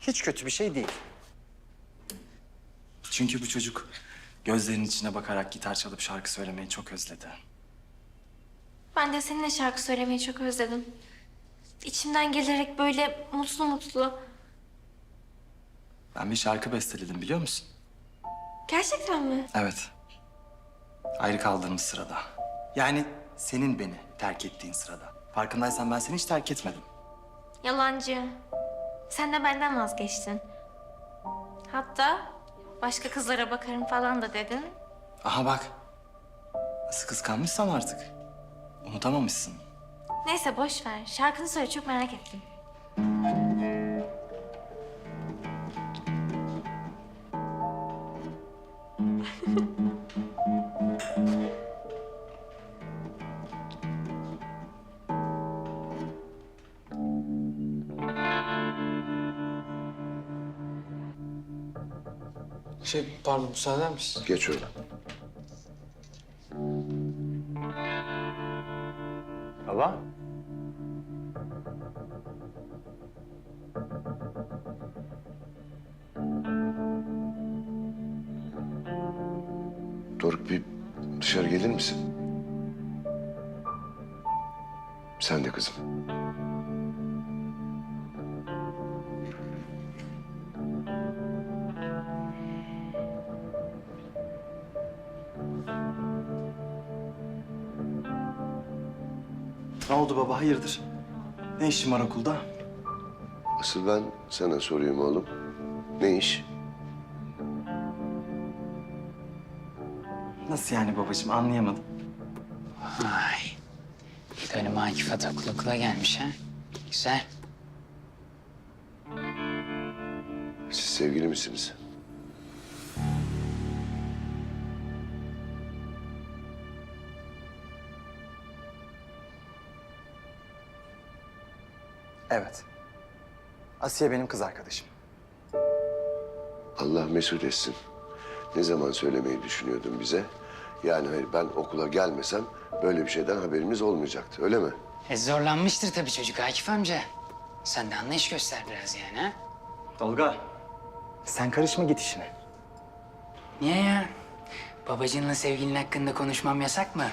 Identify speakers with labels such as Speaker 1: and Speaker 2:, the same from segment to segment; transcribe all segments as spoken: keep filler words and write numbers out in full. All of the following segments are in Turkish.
Speaker 1: Hiç kötü bir şey değil.
Speaker 2: Çünkü bu çocuk gözlerinin içine bakarak gitar çalıp şarkı söylemeyi çok özledi.
Speaker 3: Ben de seninle şarkı söylemeyi çok özledim. İçimden gelerek böyle mutlu mutlu.
Speaker 2: Ben bir şarkı besteledim biliyor musun?
Speaker 3: Gerçekten mi?
Speaker 2: Evet. Ayrı kaldığımız sırada. Yani senin beni terk ettiğin sırada. Farkındaysan ben seni hiç terk etmedim.
Speaker 3: Yalancı. Sen de benden vazgeçtin. Hatta başka kızlara bakarım falan da dedin.
Speaker 2: Aha bak. Nasıl kıskanmışsam artık. Unutamamışsın.
Speaker 3: Neyse boş ver. Şarkını söyle, çok merak ettim.
Speaker 4: Şey, pardon, müsaade eder misin?
Speaker 5: Geç öyle.
Speaker 1: Baba.
Speaker 5: Doruk bir dışarı gelir misin? Sen de kızım.
Speaker 2: Ne oldu baba hayırdır? Ne işin var okulda?
Speaker 5: Asıl ben sana sorayım oğlum. Ne iş?
Speaker 2: Nasıl yani babacığım anlayamadım.
Speaker 6: Ay. İdolüm Akif Atakul okula gelmiş ha. Güzel.
Speaker 5: Siz sevgili misiniz?
Speaker 2: Evet. Asiye benim kız arkadaşım.
Speaker 5: Allah mesut etsin. Ne zaman söylemeyi düşünüyordun bize? Yani hayır ben okula gelmesem böyle bir şeyden haberimiz olmayacaktı öyle mi?
Speaker 6: E zorlanmıştır tabii çocuk Akif amca. Sen de anlayış göster biraz yani ha.
Speaker 2: Tolga. Sen karışma git işine.
Speaker 6: Niye ya? Babacığınla sevgilin hakkında konuşmam yasak mı?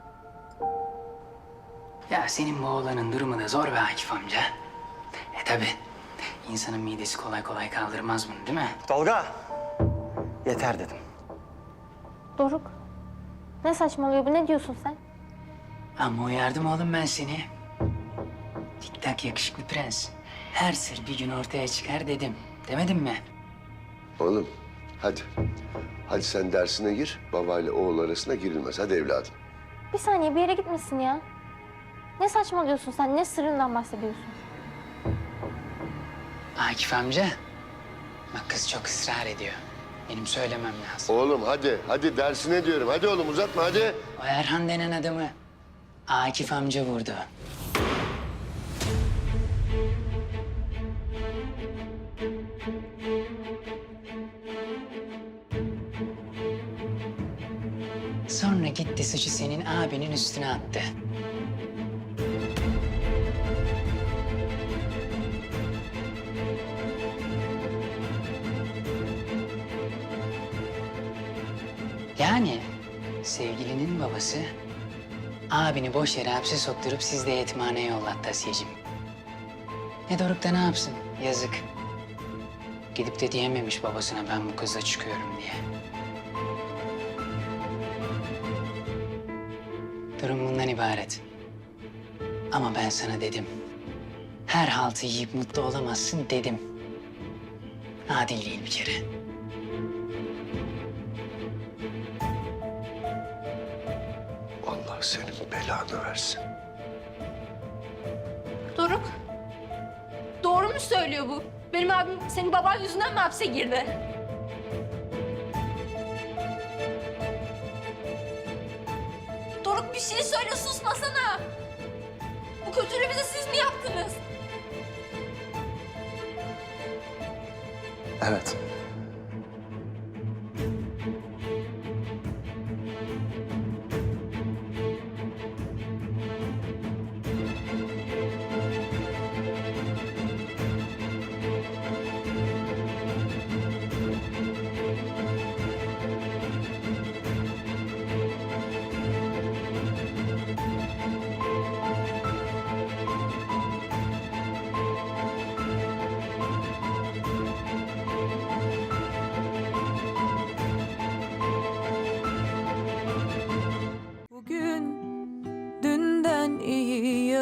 Speaker 6: Ya senin bu oğlanın durumu da zor be Akif amca. E tabii. İnsanın midesi kolay kolay kaldırmaz bunu değil mi?
Speaker 2: Tolga. Yeter dedim.
Speaker 3: Doruk. Ne saçmalıyor bu? Ne diyorsun sen?
Speaker 6: Ama uyardım oğlum ben seni. Tik tak yakışıklı prens. Her sır bir gün ortaya çıkar dedim. Demedim mi?
Speaker 5: Oğlum hadi. Hadi sen dersine gir. Babayla oğul arasına girilmez. Hadi evladım.
Speaker 3: Bir saniye, bir yere gitmesin ya. Ne saçmalıyorsun sen? Ne sırrından bahsediyorsun?
Speaker 6: Akif amca. Bak kız çok ısrar ediyor. Benim söylemem lazım.
Speaker 5: Oğlum hadi. Hadi dersine diyorum. Hadi oğlum uzatma hadi.
Speaker 6: O Erhan denen adamı Akif amca vurdu. Sonra gitti suçu senin abinin üstüne attı. Yani sevgilinin babası abini boş yere hapse sokturup siz de yetimhaneye yollattı Asiyeciğim. Ne Doruk da ne yapsın? Yazık. Gidip de diyememiş babasına ben bu kızla çıkıyorum diye. Durum bundan ibaret. Ama ben sana dedim. Her haltı yiyip mutlu olamazsın dedim. Adil değil bir kere.
Speaker 5: Allah senin belanı versin.
Speaker 7: Doruk. Doğru mu söylüyor bu? Benim abim senin baban yüzünden mi hapse girdi? Doruk bir şey söyle, susmasana. Bu kötülüğü bize siz mi yaptınız?
Speaker 2: Evet.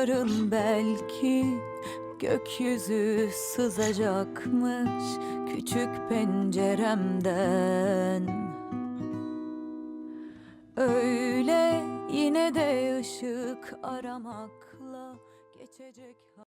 Speaker 8: yarın belki gökyüzü sızacakmış küçük penceremden. Öyle yine de ışık aramakla geçecek.